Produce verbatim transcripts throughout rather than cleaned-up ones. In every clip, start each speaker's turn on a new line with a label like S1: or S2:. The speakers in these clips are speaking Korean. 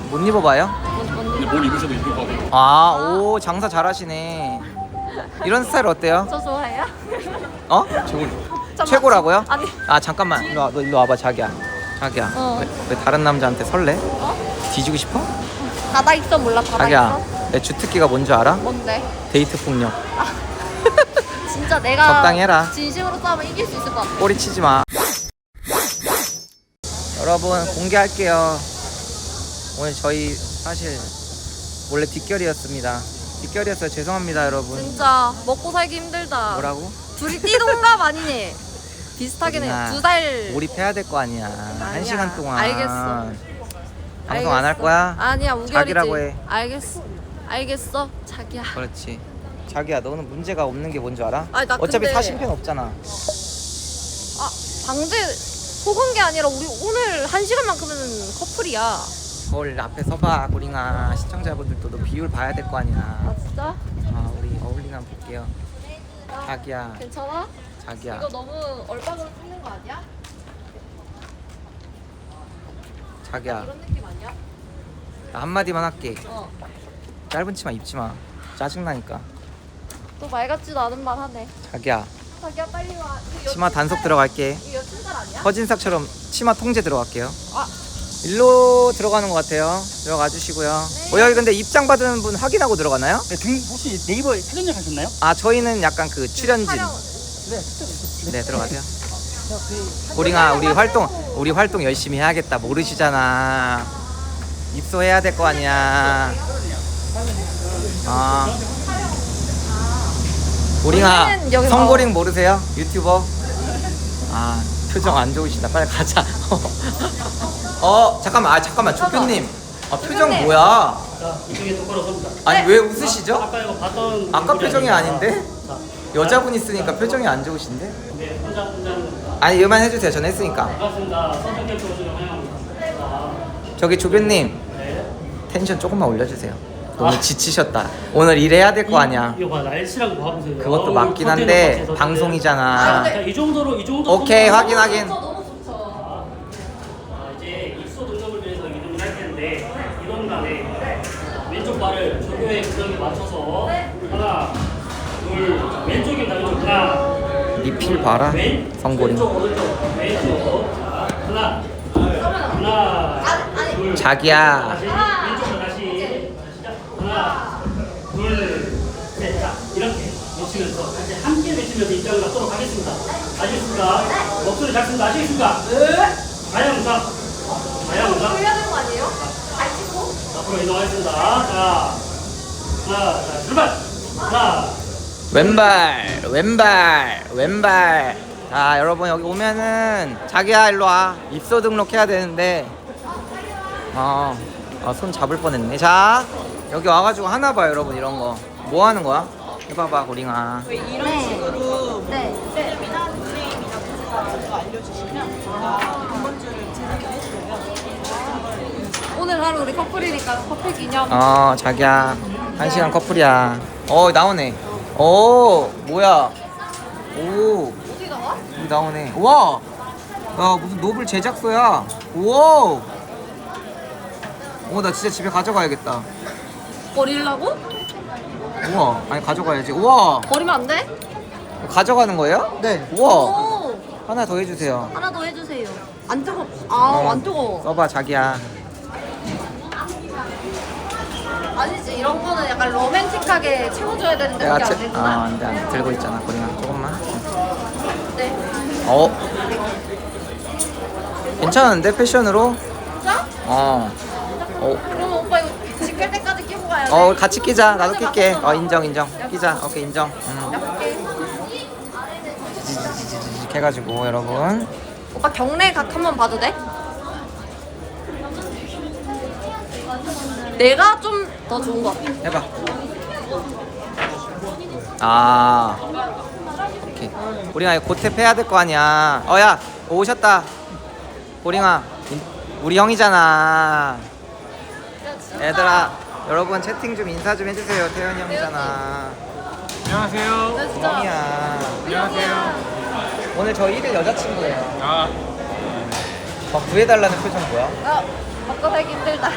S1: 못 입어봐요?
S2: 근데 뭘 입으셔도 이쁠 것 같아요.
S1: 아, 오, 장사 잘하시네. 이런 스타일 어때요?
S3: 저 좋아해요?
S1: 어?
S3: 잠깐만.
S1: 최고라고요?
S3: 아니.
S1: 아, 잠깐만. 일로 와, 너 일로 와봐, 자기야. 자기야.
S3: 어.
S1: 왜, 왜 다른 남자한테 설레?
S3: 어?
S1: 뒤지고 싶어?
S3: 바다 있어 몰라 바다
S1: 자기야,
S3: 있어?
S1: 내 주특기가 뭔 줄 알아?
S3: 뭔데?
S1: 데이트 폭력.
S3: 진짜 내가
S1: 적당히 해라.
S3: 진심으로 싸우면 이길 수 있을 것 같아.
S1: 꼬리 치지 마. 여러분, 공개할게요. 오늘 저희 사실 원래 뒷결이었습니다. 뒷결이었어요. 죄송합니다, 여러분.
S3: 진짜 먹고 살기 힘들다.
S1: 뭐라고?
S3: 둘이 띠동갑 아니니? 비슷하긴 해.
S1: 우리나
S3: 두 살.
S1: 몰입해야 될 거 아니야. 한
S3: 아니야.
S1: 시간 동안.
S3: 알겠어.
S1: 방송 안 할 거야?
S3: 아니야 우결이지.
S1: 자기라고 해.
S3: 알겠어. 알겠어. 자기야.
S1: 그렇지. 자기야, 너는 문제가 없는 게 뭔 줄 알아?
S3: 아니, 나
S1: 어차피
S3: 근데-
S1: 사심팬 없잖아.
S3: 아 방제 속은 게 아니라 우리 오늘 한 시간만큼은 커플이야.
S1: 거울 앞에 서봐, 고링아. 시청자분들도 너 비율 봐야 될 거 아니야.
S3: 아 진짜?
S1: 아, 우리 어울리나 볼게요. 자기야,
S3: 괜찮아?
S1: 자기야.
S3: 이거 너무 얼빵으로 찍는 거 아니야?
S1: 자기야,
S3: 이런 느낌 아니야?
S1: 나 한마디만 할게.
S3: 어.
S1: 짧은 치마 입지 마. 짜증나니까.
S3: 또 말 같지도 않은 말 하네.
S1: 자기야,
S3: 자기야 빨리 와. 이거
S1: 치마
S3: 여친
S1: 단속
S3: 살-
S1: 들어갈게.
S3: 이거 여친 살 아니야?
S1: 허진삭처럼 치마 통제 들어갈게요.
S3: 아
S1: 일로 들어가는 것 같아요. 들어가 주시고요.
S3: 네.
S1: 어, 여기 근데 입장 받은 분 확인하고 들어가나요?
S2: 네, 등 혹시 네이버 사전역 하셨나요?
S1: 아, 저희는 약간 그 출연진.
S3: 촬영.
S1: 네, 들어가세요. 고링아, 우리 활동 우리 활동 열심히 해야겠다. 모르시잖아. 입소해야 될 거 아니야. 아. 고링아,
S3: 원래는 여기
S1: 성고링 모르세요? 유튜버? 아, 표정 안 좋으시다. 빨리 가자. 어, 잠깐만. 아, 잠깐만. 조표님. 아, 표정
S3: 조표님.
S1: 뭐야?
S2: 자, 이쪽에 똑바로 섭니다.
S1: 아니, 왜 웃으시죠?
S2: 아까 이거 봤던
S1: 아까
S2: 얼굴이
S1: 표정이
S2: 아닙니다.
S1: 아닌데?
S2: 자,
S1: 여자분 있으니까 표정이 안 좋으신데?
S2: 네, 혼자 혼자 하는 겁니다.
S1: 아니, 이만 해주세요. 전 했으니까.
S2: 반갑습니다. 선택해 주셔서 환영합니다. 자,
S1: 저기 조교님,
S2: 네.
S1: 텐션 조금만 올려주세요. 너무 지치셨다. 오늘 일해야 될 거 아니야.
S2: 이거 봐, 날씨랑 뭐 봐보세요.
S1: 그것도
S2: 어우,
S1: 맞긴
S2: 컨테이너
S1: 한데
S2: 박스에서 컨테이너.
S1: 방송이잖아.
S2: 자, 이 정도로 이 정도.
S1: 오케이, 확인 확인.
S3: 너무 좋죠.
S2: 자, 이제 입소 등록을 위해서 이동을 할 텐데 이동 간에 왼쪽 발을 조교의 구정에 맞춰서 하나, 둘, 왼쪽에 나오죠. 하나,
S1: 리필 봐라.
S2: 왼,
S1: 성고링.
S2: 왼쪽 오른쪽 왼쪽. 자, 하나, 하나, 둘.
S1: 자기야.
S2: 다시 왼쪽으로 다시 시작. 하나, 둘, 셋. 자, 이렇게 외치면서 이제 함께 외치면서 입장을 갖도록 하겠습니다. 아시겠습니까? 목소리 잘 씁니다. 아시겠습니까? 네. 가양상. 가양상.
S3: 돌려야 되는 거 아니에요? 잘 찍고.
S2: 앞으로 이동하겠습니다. 자, 하나, 자, 출발. 하나.
S1: 왼발, 왼발, 왼발. 자, 여러분 여기 오면은 자기야 일로 와. 입소 등록해야 되는데. 어, 어, 손 잡을 뻔했네. 자, 여기 와가지고 하나 봐, 여러분 이런 거. 뭐 하는 거야? 해봐봐, 고링아.
S3: 이런 식으로. 네.
S4: 프레임이나 프레임이나 문제가 먼저 알려주시면 저희가 번번주를 제작을 해드려요.
S3: 오늘 하루 우리 커플이니까 커플 기념.
S1: 어, 자기야. 한 시간 커플이야. 어, 나오네. 오, 뭐야? 오,
S3: 어디 나와?
S1: 여기 나오네. 우와! 야, 무슨 노블 제작소야. 우와! 오, 나 진짜 집에 가져가야겠다.
S3: 버리려고?
S1: 우와, 아니 가져가야지. 우와,
S3: 버리면 안 돼?
S1: 가져가는 거예요? 네. 우와,
S3: 오.
S1: 하나 더 해주세요.
S3: 하나 더 해주세요. 안 뜨거. 아, 안 뜨거.
S1: 써봐, 자기야.
S3: 아니지 이런 거는 약간 로맨틱하게 채워줘야 되는데
S1: 내가
S3: 그게 안
S1: 제, 아,
S3: 되구나.
S1: 안 돼, 안 돼. 들고 있잖아, 고링아. 조금만.
S3: 네.
S1: 어? 괜찮은데, 패션으로?
S3: 진짜?
S1: 어. 어.
S3: 그럼 오빠 이거 지킬 때까지 끼고 가야 돼.
S1: 어, 같이 끼자. 나도 낄게. 어, 인정, 인정. 끼자. 오케이, 인정. 음.
S3: 약게.
S1: 지지지지직 해가지고, 여러분.
S3: 오빠 경례 각 한번 봐도 돼? 내가 좀 더 좋은 것 같아.
S1: 해봐. 아. 오케이. 고링아, 이거 고탭 해야 될 거 아니야. 어, 야, 오셨다. 고링아, 인- 우리 형이잖아. 얘들아, 여러분 채팅 좀 인사 좀 해주세요. 태현이 형이잖아.
S2: 안녕하세요.
S3: 나 진짜
S1: 형이야.
S2: 안녕하세요.
S1: 오늘 저 일 일 여자친구예요.
S2: 아,
S1: 막 구해달라는 표정 뭐야?
S3: 어, 바꿔 살기 힘들다.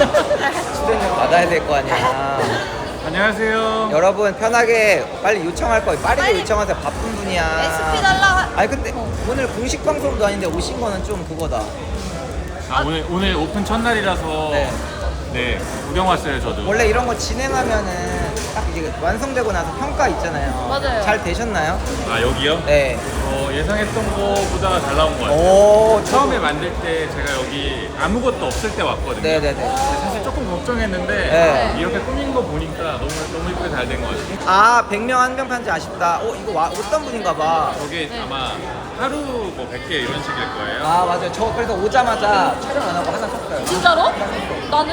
S1: 출연료 받아야 될 거 아니야.
S5: 안녕하세요.
S1: 여러분 편하게 빨리 요청할 거예요. 빠르게
S3: 빨리.
S1: 요청하세요. 바쁜 분이야.
S3: 에스피 달라.
S1: 아니 근데 오늘 공식 방송도 아닌데 오신 거는 좀 그거다.
S5: 아, 오늘 오늘 오픈 첫날이라서
S1: 네.
S5: 네, 구경 왔어요 저도.
S1: 원래 이런 거 진행하면은 딱 이제 완성되고 나서 평가 있잖아요.
S3: 맞아요.
S1: 잘 되셨나요?
S5: 아 여기요?
S1: 네.
S5: 어, 예상했던 거보다 잘 나온 것 같아요.
S1: 오, 저...
S5: 처음에 만들 때 제가 여기 아무것도 없을 때 왔거든요.
S1: 네네네.
S5: 사실 조금 걱정했는데
S1: 네.
S5: 이렇게 꾸민 거 보니까 너무 너무 이쁘게 잘 된 것 같아요.
S1: 아, 백 명 한 명 편지 아쉽다. 어, 이거 와, 어떤 분인가 봐.
S5: 저게
S3: 네.
S5: 아마 하루 뭐 백 개 이런 식일 거예요.
S1: 아, 맞아요. 저 그래서 오자마자 촬영 안 하고 하나 샀어요.
S3: 진짜로? 나는?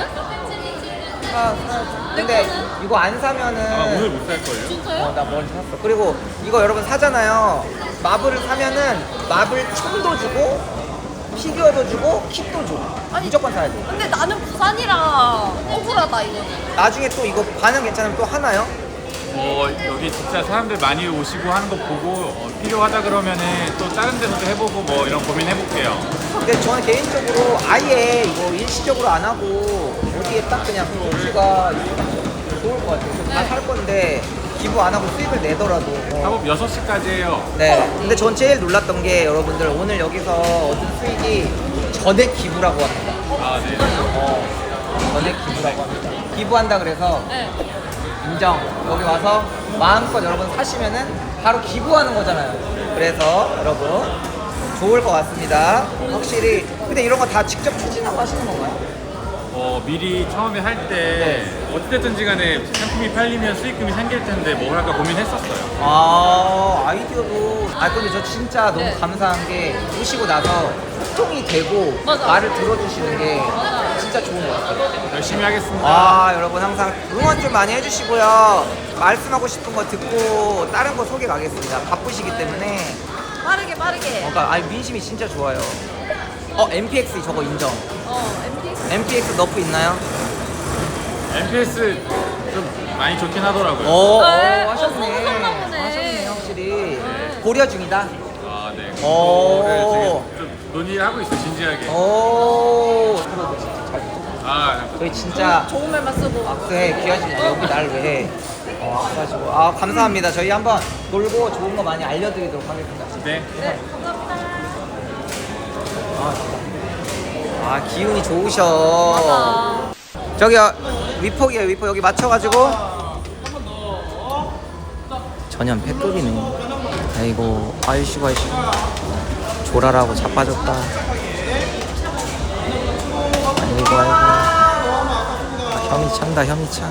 S1: 아, 근데 이거 안 사면은
S5: 아마 오늘 못 살 걸요.
S3: 진짜요?
S1: 어, 나 멀리 샀어. 그리고 이거 여러분 사잖아요. 마블을 사면은 마블 총도 주고 피규어도 주고 kit도 줘. 무조건 사야 돼.
S3: 근데 나는 부산이라 억울하다 이거는.
S1: 나중에 또 이거 반응 괜찮으면 또 하나요?
S5: 어, 여기 진짜 사람들 많이 오시고 하는 거 보고 어, 필요하다 그러면은 또 다른 데서도 해보고 뭐 이런 고민 해볼게요.
S1: 근데 저는 개인적으로 아예 이거 일시적으로 안 하고 어디에 딱 그냥 공지가 있으면 좋을 것 같아요. 다 살 건데 기부 안 하고 수익을 내더라도. 어.
S5: 작업 여섯 시까지 해요.
S1: 네. 근데 전 제일 놀랐던 게 여러분들 오늘 여기서 얻은 수익이 전액 기부라고 합니다.
S5: 아, 네.
S1: 어, 전액 기부라고 합니다. 기부한다 그래서
S3: 네.
S1: 인정. 여기 와서 마음껏 여러분 사시면은 바로 기부하는 거잖아요. 그래서 여러분 좋을 것 같습니다. 확실히. 근데 이런 거 다 직접 추진하고 하시는 건가요?
S5: 어, 미리 처음에 할 때
S1: 네.
S5: 어찌됐든지 간에 상품이 팔리면 수익금이 생길 텐데 뭘 할까 고민했었어요.
S1: 아, 아이디어도. 아, 근데 저 진짜 너무
S3: 네.
S1: 감사한 게 오시고 나서 소통이 되고
S3: 맞아.
S1: 말을 들어주시는 게
S3: 맞아.
S1: 진짜 좋은 것 같아요.
S5: 열심히 하겠습니다.
S1: 아, 여러분 항상 응원 좀 많이 해주시고요. 말씀하고 싶은 거 듣고 다른 거 소개 가겠습니다. 바쁘시기 때문에.
S3: 빠르게 빠르게.
S1: 어, 그러니까 아니, 민심이 진짜 좋아요. 어, 엠피엑스 저거 인정.
S3: 어, 엠피엑스.
S1: 엠피엑스 너프 있나요?
S5: 엠피에스 좀 많이 좋긴 하더라고요.
S1: 오,
S3: 네,
S1: 오,
S3: 어,
S1: 하셨네.
S3: 써보셨나 보네.
S1: 하셨네, 확실히. 고려 중이다.
S5: 아, 네.
S1: 오.
S5: 그거를 지금 좀 논의를 하고 있어, 진지하게.
S1: 오, 그거 진짜 잘 듣고.
S5: 아,
S1: 저희 진짜
S3: 좋은 말만 쓰고.
S1: 악수해. 귀하신 여기 날 왜 해? 어, 악수하시고. 아, 감사합니다. 저희 한번 놀고 좋은 거 많이 알려드리도록 하겠습니다.
S5: 네.
S3: 네, 감사합니다.
S1: 아, 진짜. 아, 기운이 좋으셔.
S3: 맞아.
S1: 저기요, 위폭이에요, 위폭. 여기 맞춰가지고. 전현 패급이네. 아이고, 아이씨고, 아이씨고. 조라라고 자빠졌다. 아이고, 아이고. 아, 혐이 찬다, 혐이 차.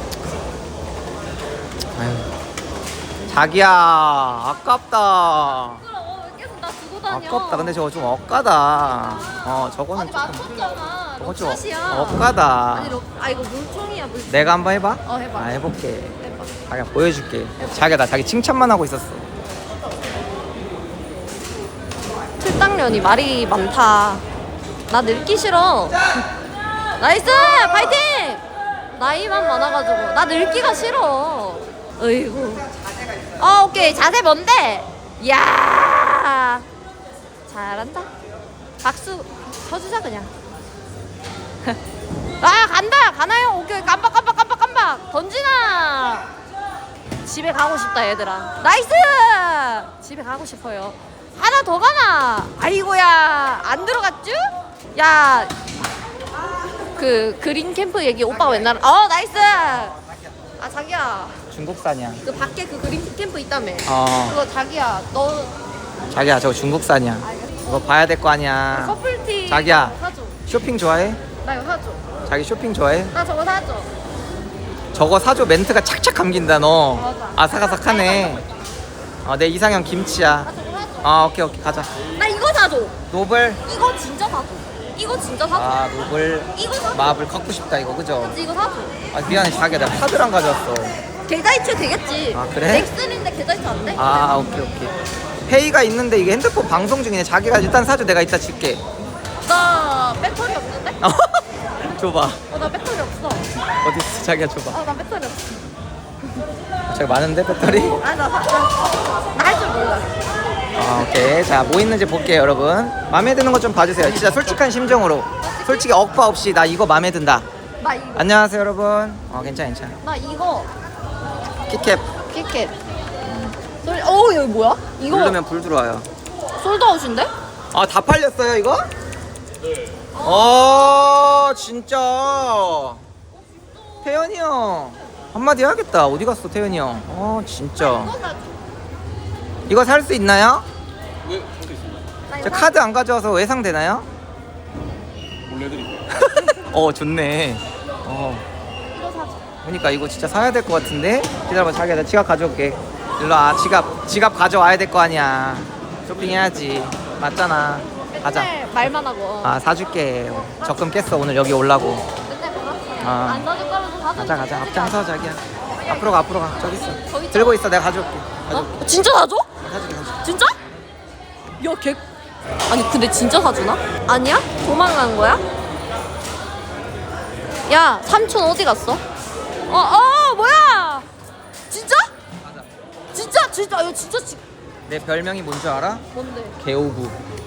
S1: 아유. 자기야, 아깝다.
S3: 어, 왜 계속 나 두고 다녀?
S1: 아깝다. 근데 저거 좀 억까다. 어, 저거는
S3: 아니
S1: 조금.
S3: 맞췄잖아.
S1: 저거 좀
S3: 럭샷이야.
S1: 억까다.
S3: 아니 럭, 아 이거 물총이야 물총.
S1: 내가 한번 해봐?
S3: 어, 해봐.
S1: 아, 해볼게.
S3: 해봐.
S1: 자기가 보여줄게. 자기가 나 자기 칭찬만 하고 있었어.
S3: 틀딱년이 말이 많다. 나 늙기 싫어. 나이스! 파이팅! 나이만 많아가지고 나 늙기가 싫어. 어이구. 어 오케이 자세 뭔데? 이야 잘한다. 박수 쳐주자 그냥. 아 간다 가나요? 오케이 깜빡 깜빡 깜빡 깜빡 던지나. 집에 가고 싶다 얘들아. 나이스! 집에 가고 싶어요. 하나 더 가나? 아이고야 안 들어갔쥬? 야 그 그린 캠프 얘기 오빠가 맨날 어 나이스. 아 자기야
S1: 중국산이야.
S3: 그 밖에 그 그린 캠프 있다며.
S1: 어.
S3: 그거 자기야 너
S1: 자기야, 저거 중국산이야. 이거 봐야 될 거 아니야.
S3: 커플티
S1: 자기야.
S3: 사줘.
S1: 쇼핑 좋아해?
S3: 나 이거 사줘.
S1: 자기 쇼핑 좋아해?
S3: 나 저거 사줘.
S1: 저거 사줘 멘트가 착착 감긴다 너.
S3: 맞아.
S1: 아삭아삭하네. 어, 내 이상형 김치야.
S3: 나 저거 사줘.
S1: 아, 오케이 오케이 가자.
S3: 나 이거 사줘.
S1: 노블.
S3: 이거 진짜 사줘. 이거 진짜 사줘.
S1: 아, 노블.
S3: 이거 사줘.
S1: 마블 갖고 싶다 이거 그죠?
S3: 그치, 이거 사줘.
S1: 아, 미안해 자기야, 나 카드를 안 가져왔어.
S3: 계좌이체 되겠지.
S1: 아, 그래?
S3: 넥슨인데 계좌이체 안 돼?
S1: 아, 오케이 오케이. 페이가 있는데 이게 핸드폰 방송 중이네. 자기가 일단 사줘. 내가 이따 줄게.
S3: 나 배터리 없는데?
S1: 줘봐.
S3: 어, 나 배터리 없어.
S1: 어디 있어? 자기가 줘봐.
S3: 어, 나 배터리 없어.
S1: 저기 많은데 배터리?
S3: 아니, 나, 나, 나 할 줄 몰라.
S1: 아, 오케이. 자, 뭐 있는지 볼게요, 여러분. 마음에 드는 거 좀 봐주세요. 진짜 솔직한 심정으로. 솔직히 억바 없이 나 이거 마음에 든다.
S3: 나 이거
S1: 안녕하세요, 여러분. 어, 괜찮아, 괜찮아.
S3: 나 이거
S1: 키캡
S3: 키켓 소리 어 여기 뭐야? 이거
S1: 누르면 불 들어와요.
S3: 솔드아웃인데?
S1: 아, 다 팔렸어요, 이거? 네. 어, 진짜. 태현이 형. 한마디 해야겠다. 어디 갔어, 태현이 형? 어, 진짜. 이거 살 수 있나요?
S5: 네, 할수 있습니다.
S1: 저 카드 안 가져와서 외상되나요?
S5: 몰래 드릴게요.
S1: 어, 좋네. 어. 그러니까 이거 진짜 사야 될 것 같은데. 기다려봐, 자기야, 나 지갑 가져올게. 일로 와. 지갑 지갑 가져와야 될 거 아니야. 쇼핑해야지. 맞잖아. 가자.
S3: 맨날 말만 하고
S1: 아, 사줄게. 적금 깼어, 오늘 여기 올라고.
S3: 맨날 말았어.
S1: 아.
S3: 안 사줄 거면서 사줄
S1: 가자, 가자. 앞장서, 자기야. 앞으로 가, 앞으로 가. 저기 있어.
S3: 저기 있잖아.
S1: 들고 있어, 내가 가져올게. 가져올게.
S3: 어? 진짜 사줘?
S1: 사줄게, 사줄게.
S3: 진짜? 야, 걔 아니 근데 진짜 사주나? 아니야? 도망간 거야? 야, 삼촌 어디 갔어? 어, 어, 뭐야? 진짜? 진짜, 진짜, 이거 진짜 지...
S1: 내 별명이 뭔 줄 알아?
S3: 뭔데?
S1: 개오구.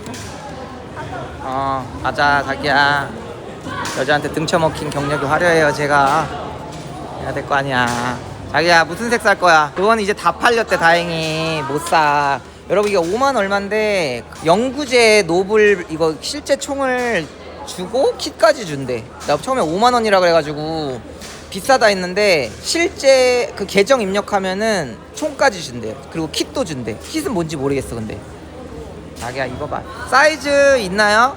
S1: 어, 가자, 자기야. 여자한테 등쳐먹힌 경력이 화려해요, 제가. 해야 될 거 아니야. 자기야, 무슨 색 살 거야? 그건 이제 다 팔렸대, 다행히. 못 사. 여러분, 이게 오만 얼마인데 영구제 노블 이거 실제 총을 주고 킷까지 준대. 나 처음에 오만 원이라 그래가지고 비싸다 했는데 실제 그 계정 입력하면은 총까지 준대. 그리고 킷도 준대. 킷은 뭔지 모르겠어, 근데. 자기야, 이거 봐. 사이즈 있나요?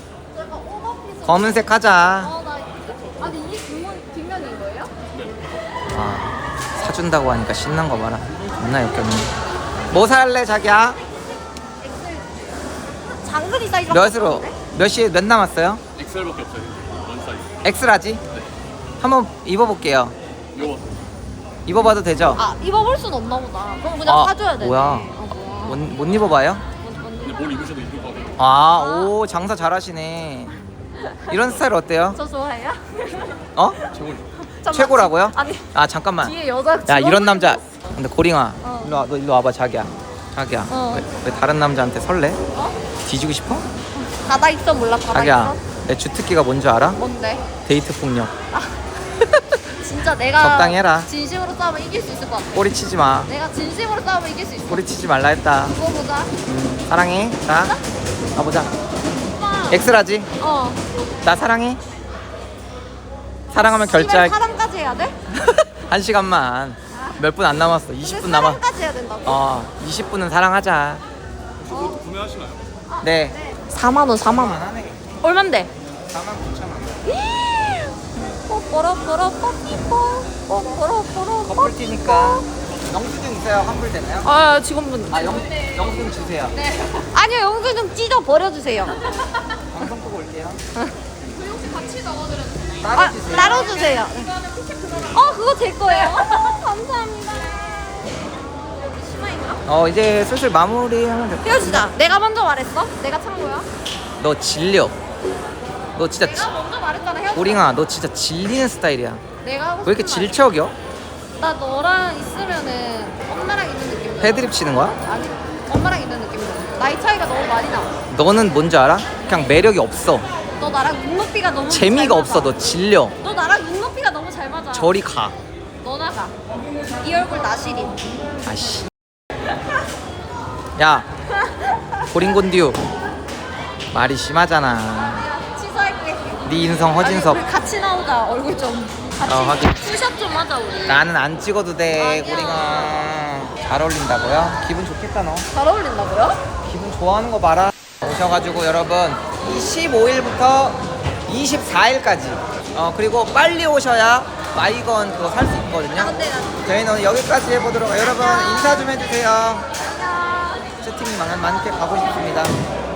S1: 검은색 하자.
S3: 어, 나 아니 이게 뒷면, 뒷면인 거예요?
S1: 아, 사준다고 하니까 신난 거 봐라. 존나 역겹네. 뭐 살래, 자기야?
S3: 장근이 사이즈
S1: 몇으로? 몇 시에 몇 남았어요?
S5: 엑셀밖에 없어요. 원 사이즈.
S1: 엑스라지? 한번 입어볼게요.
S5: 이거
S1: 입어봐도 되죠?
S3: 아, 입어볼 순 없나 보다. 그럼 그냥
S1: 아,
S3: 사줘야 돼.
S1: 뭐야.
S3: 아, 뭐야.
S1: 못, 못 입어봐요?
S5: 근데 뭘 입으셔도 입을 것 같아요.
S1: 아, 오, 장사 잘하시네. 이런 스타일 어때요?
S3: 저 좋아해요?
S1: 어?
S5: 최고죠.
S3: 잠깐만.
S1: 최고라고요?
S3: 아니
S1: 아, 잠깐만.
S3: 뒤에 여자
S1: 야,
S3: 직원분이
S1: 이런 남자.
S3: 있었어.
S1: 근데 고링아,
S3: 어.
S1: 일로 와, 너 일로 와봐, 자기야. 자기야,
S3: 어.
S1: 왜, 왜 다른 남자한테 설레?
S3: 어?
S1: 뒤지고 싶어?
S3: 바다 있어 몰라 바다
S1: 자기야,
S3: 있어?
S1: 내 주특기가 뭔 줄 알아?
S3: 뭔데?
S1: 데이트 폭력.
S3: 진짜 내가
S1: 적당히 해라.
S3: 진심으로 싸우면 이길 수 있을 것 같아.
S1: 꼬리 치지 마.
S3: 내가 진심으로 싸우면 이길 수 있어.
S1: 꼬리 치지 말라 했다.
S3: 그거 보자.
S1: 음, 사랑해. 자, 가보자.
S3: 오빠.
S1: 엑스라지.
S3: 어.
S1: 나 사랑해. 사랑하면
S3: 씨발,
S1: 결제할.
S3: 사랑까지 해야 돼?
S1: 한 시간만. 몇 분 안 남았어. 이십 분
S3: 근데
S1: 남아.
S3: 사랑까지 해야 된다고?
S1: 어, 이십 분은 사랑하자.
S3: 어.
S5: 구매하시나요?
S1: 네.
S3: 사만 원, 사만 원.
S1: 하네.
S3: 얼만데?
S1: 사만 구천 원.
S3: 뽀뽀로뽀로 뽀삐뽀. 뽀뽀로뽀로
S1: 커플티니까 영수증 있어요? 환불 되나요?
S3: 아, 직원분.
S1: 아, 영, 영수증 주세요.
S3: 네. 아니요, 영수 좀 찢어 버려주세요.
S1: 방송 보고 올게요.
S3: 아,
S1: 따로 주세요.
S3: 따로 주세요. 어, 그거 제 거예요. 감사합니다. 심화인가?
S1: 어, 이제 슬슬 마무리하면 될 것 같아.
S3: 헤어지자. 내가 먼저 말했어? 내가 찬 거야?
S1: 너 질려. 너 진짜
S3: 내가
S1: 지,
S3: 먼저 말했잖아. 헤어지자.
S1: 고링아, 너 진짜 질리는 스타일이야.
S3: 내가 하고
S1: 왜 이렇게
S3: 싶은 말.
S1: 질척여?
S3: 나 너랑 있으면은 엄마랑 있는 느낌.
S1: 패드립 치는 거야?
S3: 아니, 엄마랑 있는 느낌. 나이 차이가 너무 많이 나.
S1: 너는 뭔지 알아? 그냥 매력이 없어.
S3: 너 나랑 눈높이가 너무
S1: 재미가
S3: 잘
S1: 없어.
S3: 맞아.
S1: 너 질려.
S3: 너 나랑 눈높이가 너무 잘 맞아.
S1: 저리 가.
S3: 너 나가. 이 얼굴 나시린.
S1: 아씨. 야, 고링곤듀. 말이 심하잖아.
S3: 야, 취소할게.
S1: 네 인성 허진섭.
S3: 아니, 우리 같이 나오자. 얼굴 좀. 같이.
S1: 어, 확인.
S3: 투샷 좀 하자 우리.
S1: 나는 안 찍어도 돼,
S3: 아니야.
S1: 고링아. 잘 어울린다고요? 기분 좋겠다 너.
S3: 잘 어울린다고요?
S1: 기분 좋아하는 거 봐라. 오셔가지고 여러분 이 십오 일부터 이십사 일까지 어 그리고 빨리 오셔야 마이건 그거 살 수 있거든요.
S3: 근데 나
S1: 저희는 오늘 여기까지 해보도록. 여러분 인사 좀 해주세요.
S3: 안녕.
S1: 채팅이 많은 많게 가고 싶습니다.